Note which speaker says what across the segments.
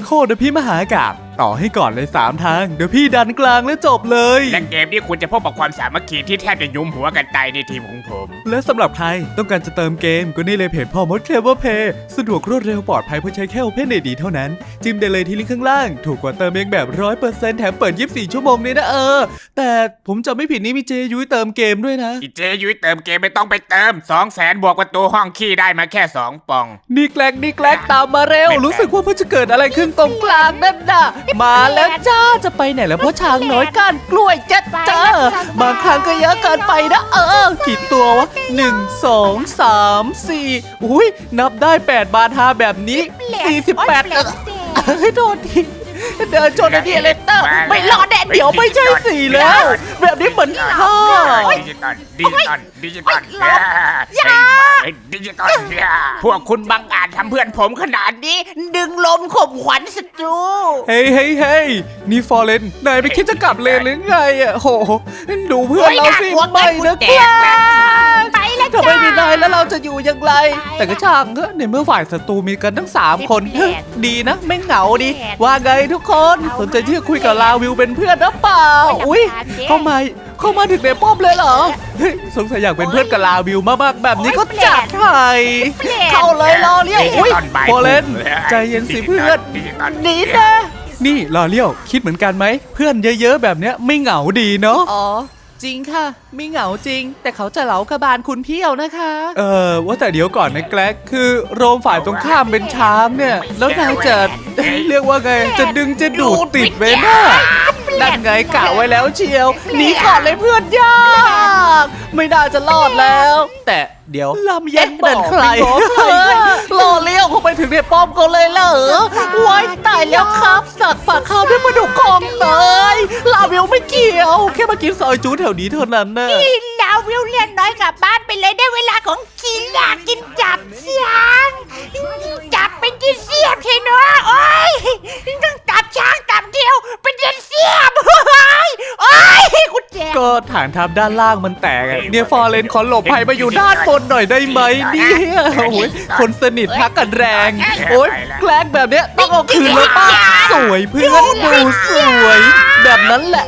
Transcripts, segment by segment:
Speaker 1: โคตรพี่มหากาพย์ต่อให้ก่อนเลย3ทางเดี๋ยวพี่ดันกลางแล้วจบเลย
Speaker 2: และเกมนี้คุณจะพบกับความสามัคคีที่แทบจะยุมหัวกันตายในทีมของผม
Speaker 1: และสำหรับใครต้องการจะเติมเกมก็นี่เลยเพจพ่อมดเคลเวอร์เพย์สะดวกรวดเร็วปลอดภัยเพราะใช้แค่ Open ID เท่านั้นจิ้มได้เลยที่ลิงก์ข้างล่างถูกกว่าเติมเองแบบ 100% แถมเปิด24ชั่วโมงเลยนะแต่ผมจำไม่ผิดนี่มีเจยุ้ยเติมเกมด้วยนะ
Speaker 2: เจยุ้ยเติมเกมไม่ต้องไปเติม 200,000 บวกประตูห้องขี้ได้มาแค่2ปอง
Speaker 1: นี่แกลกตามมาเร็วรู้สึกว่ามันจะเกิดอะไรขึ้นตรงกลางนั่นน่ะมาแล้วจ้าจะไปไหนแล้วเพราะช้างน้อยก้านกล้วยจ้าบางครั้งก็เยอะเกินไปนะกี่ตัววะ1 2 3 4อุ้ยนับได้8บาท5แบบนี้48โดนทีเดินชนไอ้นี่เลเตอร์ไม่รอดแดดเดี๋ยวไม่ใช่4แล้วแบบนี้เหมือน
Speaker 2: ดิจิตอลดิจิตอลพวกคุณบังอาจทำเพื่อนผมขนาดนี้ดึงลมข่มขวัญศัตรู
Speaker 1: เฮ้ยนี่ฟอร์เรนนายไม่คิดจะกลับเลนหรือไงโหดูเพื่อนเราสิไม่นะครับถ้าไม่มีนายแล้วเราจะอยู่ยังไงแต่ก็ช่างเถอะในเมื่อฝ่ายศัตรูมีกันทั้ง3คนดีนะไม่เหงาดีว่าไงทุกคนสนใจที่จะคุยกับลาวิวเป็นเพื่อนหรือเปล่าอุ้ยเข้ามาถึงในป้อมเลยเหรอสงสัยอยากเป็นเพื่อนกับลาวิวมากๆแบบนี้ก็จัดให้เข้าเลยรอเลี้ยวอุ้ยฟอร์เรนใจเย็นสิเพื่อนนี่นะนี่รอเลี้ยวคิดเหมือนกันไหมเพื่อนเยอะๆแบบเนี้ยไม่เหงาดีเนาะอ๋อจริงค่ะไม่เหงาจริงแต่เขาจะเหลากระบาลคุณเพียวนะคะว่าแต่เดี๋ยวก่อนนะแกลกคือโรมฝ่ายตรงข้ามเป็นช้างเนี่ยแล้วนายจะเรียกว่าไงจะดึงจะดูดติดไว้นะนั่นไงกะไว้แล้วเชียวหนีก่อนเลยเพื่อนยากไม่น่าจะรอดแล้วแต่เดี๋ยวลำเย็นเดินใครรอเลี้ยวเข้าไปถึงในป้อมเขาเลยเหรอไว้ตายแล้วครับสักปากข้าวด้วยปลาดุกคองเลยลาวิวไม่เกี่ยวแค่มากินซอยจูแถวนี้เท่านั้นนะ
Speaker 3: ลาวิวเรียนน้อยกลับบ้านไปเลยได้เวลาของกินอยากกินจับช้างจับเป็นที่เสียบใช่เนาะโอ้ยต้องจับช้างจับเดียวเป็นที่เสียบโอ้ยคุณแจ
Speaker 1: ก็ฐานทัพด้านล่างมันแตกเนี่ยฟอร์เรนขอหลบภัยมาอยู่ด้านบนหน่อยได้ไหมเนี่ยโอ้ยคนสนิททักกันแรงโอ้ยแกล้งแบบเนี้ยต้องเอาคืนแล้วป้าสวยเพื่อนดูสวยแบบนั้นแหละ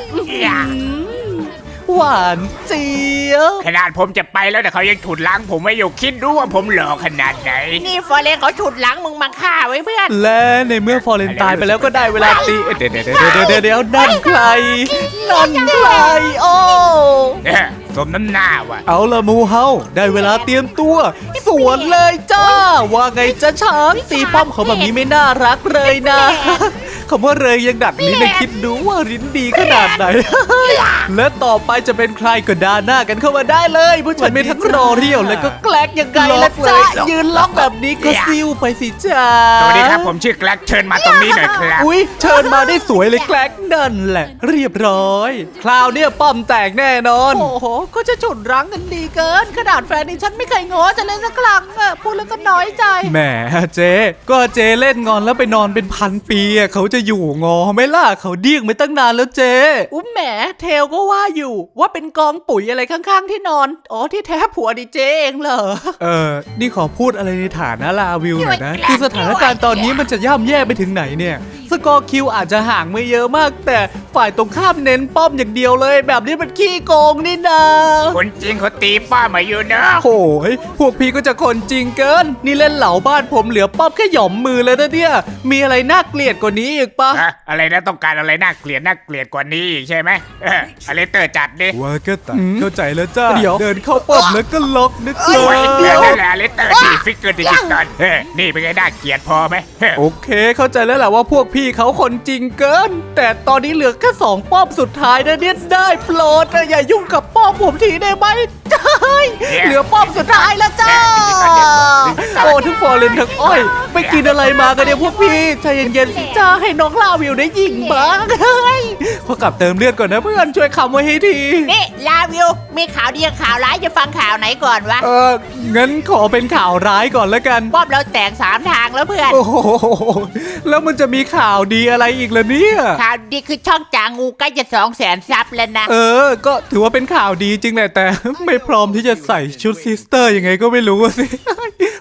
Speaker 1: หวานเจี๊ยบ
Speaker 2: ขนาดผมจะไปแล้วแต่เขายังฉุดล้างผมไม่อยู่คิดดูว่าผมหล่อขนาดไหน
Speaker 3: นี่ฟอร์เรนเขาฉุดล้างมึงมาฆ่าไว้เพื่อน
Speaker 1: และในเมื่อฟอร์เรนตายไปแล้วก็ได้เวลาตีเดี๋ยวนั่นใครโอ้
Speaker 2: สมน้ำหน้าว่ะ
Speaker 1: เอาละมูเฮาได้เวลาเตรียมตัวสวนเลยจ้าว่าไงจะช้างตีป้อมเขาแบบนี้ไม่น่ารักเลยนะคำว่าเลยยังดัดลิ้นในคิดดูว่าลิ้นดีขนาดไหนและต่อไปจะเป็นใครก็ด่าหน้ากันเข้ามาได้เลยผู้ชายไม่ทั้งรอเรียวแล้วก็แกล้งยังไงล่ะจ้ายืนล็อกแบบนี้ก็ซิ่วไปสิจ้า
Speaker 2: สวัสดีครับผมชื่อแกล้งเชิญมาตรงนี้หน่อยครับ
Speaker 1: อุ้ยเชิญมาได้สวยเลยแกล้งนั่นแหละเรียบร้อยคราวนี้ป้อมแตกแน่นอน
Speaker 3: โอ้โหก็จะฉุดรั้งกันดีเกินขนาดแฟนนี่ฉันไม่เคยง้อจะเล่นสักครั้งพูดแล้วก็น้อยใจ
Speaker 1: แหมเจ๊ก็เจ๊เล่นงอนแล้วไปนอนเป็นพันปีเขาจะอยู่งอไหมล่ะเขาเดี้ยงไปตั้งนานแล้วเจ๊
Speaker 3: แหมเทลก็ว่าอยู่ว่าเป็นกองปุ๋ยอะไรข้างๆที่นอนอ๋อที่แท้ผัวดิเจเองเหรอ
Speaker 1: นี่ขอพูดอะไรในฐานะลาวิวหน่อยนะคือสถานการณ์ตอนนี้มันจะย่ำแย่ไปถึงไหนเนี่ยสกอร์คิวอาจจะห่างไม่เยอะมากแต่ฝ่ายตรงข้ามเน้นป้อมอย่างเดียวเลยแบบนี้มันขี้โกงนี่นะ
Speaker 2: คนจริงเขาตีป้ามาอยู่นะ
Speaker 1: โอ้ยพวกพี่ก็จะคนจริงเกินนี่เล่นเหล่าบ้านผมเหลือป้อมแค่หย่อมมือเลยนะเนี่ยมีอะไรน่าเกลียดกว่านี้อีกปะ
Speaker 2: อะไรนะต้องการอะไรน่าเกลียดกว่านี้อีกใช่ไหมอะไรเตอร์จัดดิ
Speaker 1: ว่าก็ตัดเข้าใจแล้วจ้าเดี๋ยวเดินเข้าป้อมแล้วก็ล็อกนะครับ
Speaker 2: เดี๋ยวนั่นแหละอะไรเตอร์ดีฟิกเกอร์ดิจิตอลนี่เป็นไงน่าเกลียดพอไหม
Speaker 1: โอเคเข้าใจแล้วแหละว่าพวกพี่เขาคนจริงเกินแต่ตอนนี้เหลือแค่2ป้อมสุดท้ายนะเนี่ยได้โปรดอย่ายุ่งกับป้อมผมทีได้ไหมเหลือป้อมสุดท้ายแล้วจ้าโอ้ทั้งฟอร์เรนทั้งอ้อยไปกินอะไรมากันเนี่ยพวกพี่ใจเย็นๆสิจ้าให้น้องลาวิวได้ยิงบ้างพอกลับเติมเลือดก่อนนะเพื่อนช่วยคำไว้ให้ที
Speaker 3: นี่ลาวิวมีข่าวดีกับข่าวร้ายจะฟังข่าวไหนก่อนวะ
Speaker 1: งั้นขอเป็นข่าวร้ายก่อนแล้วกัน
Speaker 3: ป้อมเราแตก3ทางแล้วเพื่อน
Speaker 1: โอ้โหแล้วมันจะมีข่าวดีอะไรอีกล่ะเนี่ย
Speaker 3: ข่าวดีคือช่องจางูใกล้จะ200,000 ซับแล้วนะ
Speaker 1: ก็ถือว่าเป็นข่าวดีจริงแหละแต่ไม่พร้อมที่จะใส่ชุดซิสเตอร์ยังไงก็ไม่รู้สิ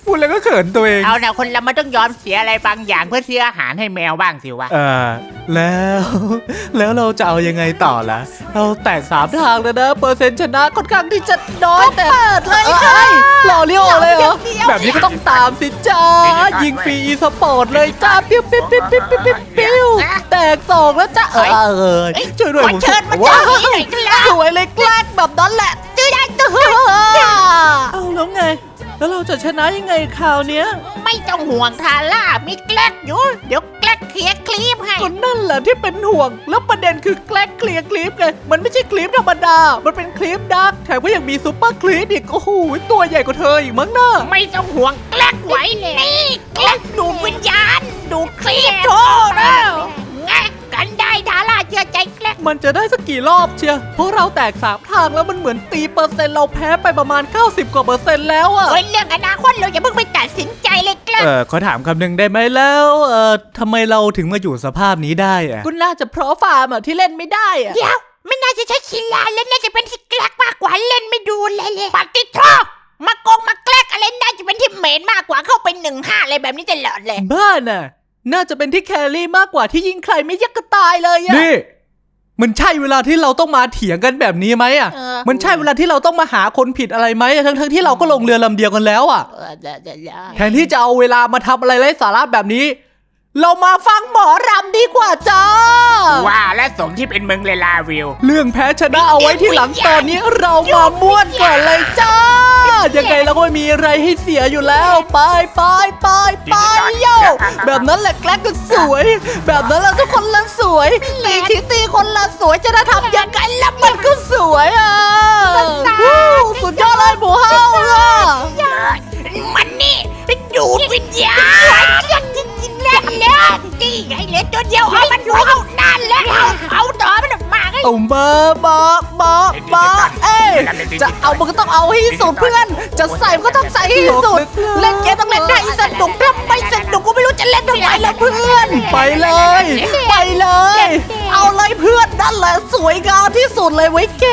Speaker 1: พูดแล้วก็เขินตัวเอง
Speaker 2: เอานะคนเรามันต้องยอมเสียอะไรบางอย่างเพื่อเสียอาหารให้แมวบ้างสิวะ
Speaker 1: แล้ว แล้วเราจะเอายังไงต่อล่ะ เราแตก3 ทางแล้วนะเปอร์เซ็นต์ชนะค่อนข้างที่จะน้อยแต่เลยค่ะหล่อเลี้ยวเลยเหรอแบบนี้ก็ต้องตามสิจ้ายิงฟรีอีสปอร์ตเลยจ้าปิ้วปิ้วปิ้วปิ้วปิ้วปิ้วแตก2แล้วจ้าช่วยด้วย
Speaker 3: ขอ
Speaker 1: ผม
Speaker 3: เชิญมา
Speaker 1: ว้า
Speaker 3: เจ้านี้หน่อยครับ
Speaker 1: สวยเลยแกล้งแบบนั้นแหละ
Speaker 3: จื้อได้จื้อ
Speaker 1: เอาแล้วไง แล้วเราจะชนะยังไงคราวเนี้ย
Speaker 3: ไม่ต้องห่วงทาร่ามีแกล้กอยู่เดี๋ยวแกล้กเคลียร์คลิปให้
Speaker 1: ก็นั่นแหละที่เป็นห่วง แล้วประเด็นคือแกล้งเคลียร์คลิปไง มันไม่ใช่คลิปธรรมดา มันเป็นคลิปดักแถมก็ยังมีซุปเปอร์คลิปอีก โอ้โห ตัวใหญ่กว่าเธออีกมั้งน่ะ
Speaker 3: ไม่ต้องห่วงแกล้กไว้นี่แกล้กดูดวิญญาณดูดคลิปโชว์แล้วไงกันได้ทาร่าเชื่อใจแกล้ก
Speaker 1: มันจะได้สักกี่รอบเชียเพราะเราแตก3 ทางแล้วมันเหมือนตีเปอร์เซ็นต์เราแพ้ไปประมาณ 90 กว่าเปอร์เซ็นต์แล้วอะ
Speaker 3: เฮ้ยเรื่องอนาคตเราอย่าเพิ่งไปตัดสินใจเลยแกล้ก
Speaker 1: ขอถามคำหนึ่งได้ไหมแล้วทำไมเราถึงมาอยู่สภาพนี้ได้อะก็น่าจะเพราะฟาร์มอะที่เล่นไม่ได้อะ
Speaker 3: เดี๋ยวไม่น่าจะใช้คิลาเล่นน่าจะเป็นที่แกล้กมากกว่าเล่นไม่ดูเลยปฏิโทษมาโกงมาแกล้กอะไรน่าจะเป็นที่เมนมากกว่าเข้าไป1-5อะไรแบบนี้ตลอดเลย
Speaker 1: บ้าน่ะ น่าจะเป็นที่แครี่มากกว่าที่ยิงใครไม่ยักกระตายเลยอะนี่ มันใช่เวลาที่เราต้องมาเถียงกันแบบนี้ไหมอะ มันใช่เวลาที่เราต้องมาหาคนผิดอะไรไหมทั้งที่เราก็ลงเรือลำเดียวกันแล้วอะแทนที่จะเอาเวลามาทำอะไรไร้สาระแบบนี้ เรามาฟังหมอรำดีกว่าจ้า
Speaker 2: ว่าและสมที่เป็นมึงเลยลาวิว
Speaker 1: เรื่องแพ้ชนะเอาไว้ที่หลังตอนนี้เรามาม่วนก่อนเลยจ้า ยังไงเราก็ไม่มีอะไรให้เสียอยู่แล้ว ไปโย่แบบนั้นแหละแกล้งกันสวย แบบนั้นแหละทุกคนละสวยตีทีตีคนละสวยจะได้ทำยังไงแล้วมันก็สวยอ่ะวู้สุดยอดเลยหมูเฮาอ่ะ
Speaker 3: มันนี่ดูดวิญญาณจริงๆแล้วนี่ไงเหลือตัวเดียวเอามันดูเอานั่นแล้วเอาต่อมันมาไง
Speaker 1: เอามาเอ้ยจะเอามันก็ต้องเอาให้สุดเพื่อน จะใส่มันก็ต้องใส่ให้สุด เล่นเกมต้องเล่นให้สนุกถ้าไม่สนุกก็ไม่รู้จะเล่นทำไมละเพื่อน ไปเลย เอาเลยเพื่อนนั่นแหละสวยงามที่สุดเลยไว้ยแก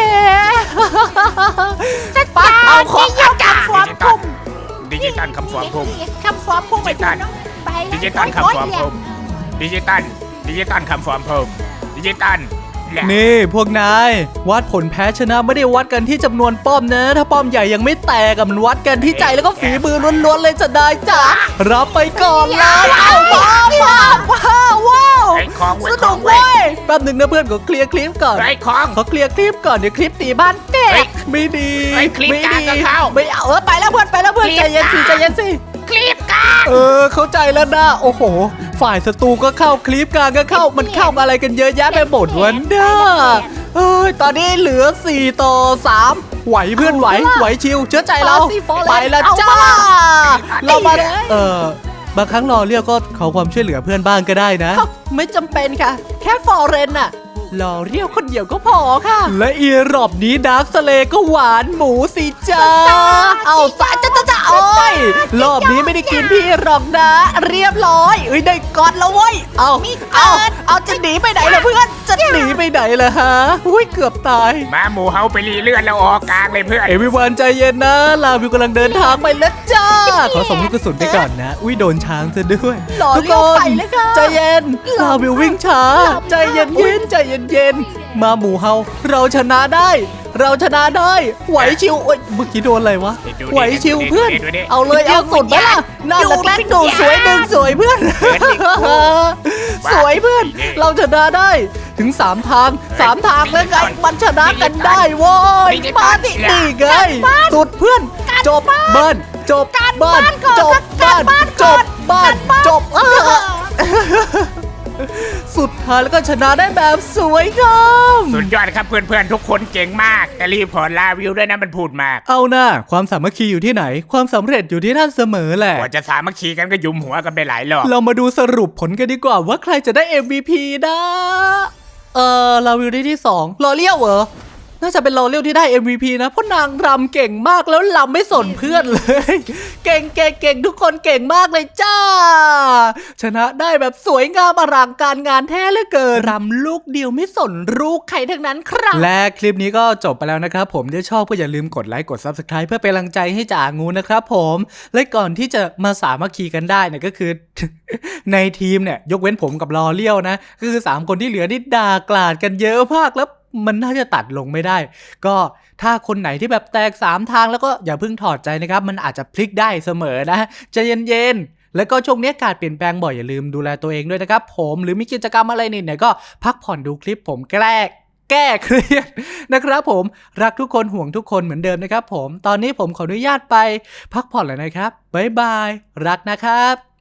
Speaker 1: ไปเอาของเอากลับความทุ่ม
Speaker 2: ดิจิตอลคำฟอร์มพุ่ม
Speaker 3: คำฟอร์มพุ่งไปดูน้องไป
Speaker 2: ดิจิตอลคำฟอร์มพุ่มดิจิตอลคำฟอร์มพุ่มดิจิตอล
Speaker 1: นี่พวกนายวัดผลแพ้ชนะไม่ได้วัดกันที่จำนวนป้อมนะ ถ้าป้อมใหญ่ยังไม่แตกมันวัดกันที่ใจแล้วก็ฝีมือล้วนๆเลยจะได้จ้ะรับไปก่อนเลยเอาว้าว
Speaker 2: ไอ้ของ
Speaker 1: ส
Speaker 2: ไว้ข
Speaker 1: นุ
Speaker 2: อง
Speaker 1: ก
Speaker 2: ไว้
Speaker 1: เว้ยแป๊บหนึ่งนะเพื่อนก็เคลียร์คลิปก่อน
Speaker 2: ไอ้ของ
Speaker 1: ขอเคลียร์คลิปก่อนเดี๋ยวคลิปตีบ้านแต
Speaker 2: เฮ้
Speaker 1: ก
Speaker 2: ย
Speaker 1: ไม่ดี
Speaker 2: เฮ้ยคลิปกลางก็เข้า
Speaker 1: ไม่เอาไปแล้วเพื่อนใจเย็นสิ
Speaker 3: คลิปกัน
Speaker 1: เข้าใจแล้วนะโอ้โห ฝ่ายศัตรูก็เข้าคลิปกลางก็เข้ามันเข้ามาอะไรกันเยอะแยะไปหมดวันเด้อตอนนี้เหลือ4 ต่อ 3ไหวเพื่อนไหวชิวเชื่อใจเราไปแล้วจ้าเรามาบางครั้งรอเรียกก็ขอความช่วยเหลือเพื่อนบ้างก็ได้นะไม่จำเป็นค่ะ แค่ฟอร์เรนน่ะรอเรียกคนเดียวก็พอค่ะ และอีรอบนี้ดาร์คสเลก็หวานหมูสิจ้าเอาซะจ้าโอ้ยรอบนี้ไม่ได้กินพี่หรอกนะ เรียบร้อยได้กอดแล้วเว้ยเอาจะหนีไปไหนล่ะเพื่อนจะหนีไปไหนล่ะฮะอุ้ยเกือบตาย
Speaker 2: มาหมูเฮาไปรีเลื่อนแล้วออกกลางเลยเพื่อน
Speaker 1: เอวิวันใจเย็นนะลาวิวกำลังเดินทางไปแล้วจ้า ขอส่งลูกกระสุนไปก่อนนะอุ้ยโดนช้างซะด้วยทุกคนใจเย็นลาวิววิ่งช้าใจเย็นมาหมูเฮาเราชนะได้ไหวชิวเมื่อกี้โดนอะไรวะไหวชิวเพื่อนเอาเลยเอาสุดไหมล่ะน่าจะแกล้งดูสวยหนึ่งสวยเพื่อนสวยเพื่อนเราชนะได้ถึง3 ทางแล้วไงมันชนะกันได้โว้ยมาดิไงสุดเพื่อนจบบ้านจบบ้านสุดท้ายแล้วก็ชนะได้แบบสวยงาม
Speaker 2: สุดยอดครับเพื่อนๆทุกคนเก่งมากแต่รีบพอร์ตลาวิวด้วยนะมันพูดมาก
Speaker 1: เอาหน้าความสามัคคีอยู่ที่ไหนความสำเร็จอยู่ที่ท่านเสมอแหละ
Speaker 2: กว่าจะสามัคคีกันก็ยุมหัวกันไปหลายรอบ
Speaker 1: เรามาดูสรุปผลกันดีกว่าว่าใครจะได้ MVP นะลาวิวได้ที่2รอเลี้ยวเหรอน่าจะเป็นลอเรียลที่ได้ MVP นะเพราะนางรำเก่งมากแล้วรำไม่สนเพื่อนเลย เก่งทุกคนเก่งมากเลยจ้าชนะได้แบบสวยงามอลังการงานแท้เหลือเกินรำลูกเดียวไม่สนลูกใครทั้งนั้นครับและคลิปนี้ก็จบไปแล้วนะครับผมถ้าชอบก็อย่าลืมกดไลค์กด Subscribe เพื่อเป็นกำลังใจให้จ่างูนะครับผมและก่อนที่จะมาสามัคคีกันได้เนี่ยก็คือ ในทีมเนี่ยยกเว้นผมกับลอเรียลนะก็คือ3คนที่เหลือนี่ด่ากลาดกันเยอะมากแล้วมันน่าจะตัดลงไม่ได้ก็ถ้าคนไหนที่แบบแตก3ทางแล้วก็อย่าเพิ่งถอดใจนะครับมันอาจจะพลิกได้เสมอนะใจเย็นๆแล้วก็ช่วงนี้อากาศเปลี่ยนแปลงบ่อยอย่าลืมดูแลตัวเองด้วยนะครับผมหรือมีกิจกรรมอะไรเนี่ยก็พักผ่อนดูคลิปผมแก้เครียดนะครับผมรักทุกคนห่วงทุกคนเหมือนเดิมนะครับผมตอนนี้ผมขออนุญาตไปพักผ่อนแล้วนะครับบ๊ายบายรักนะครับ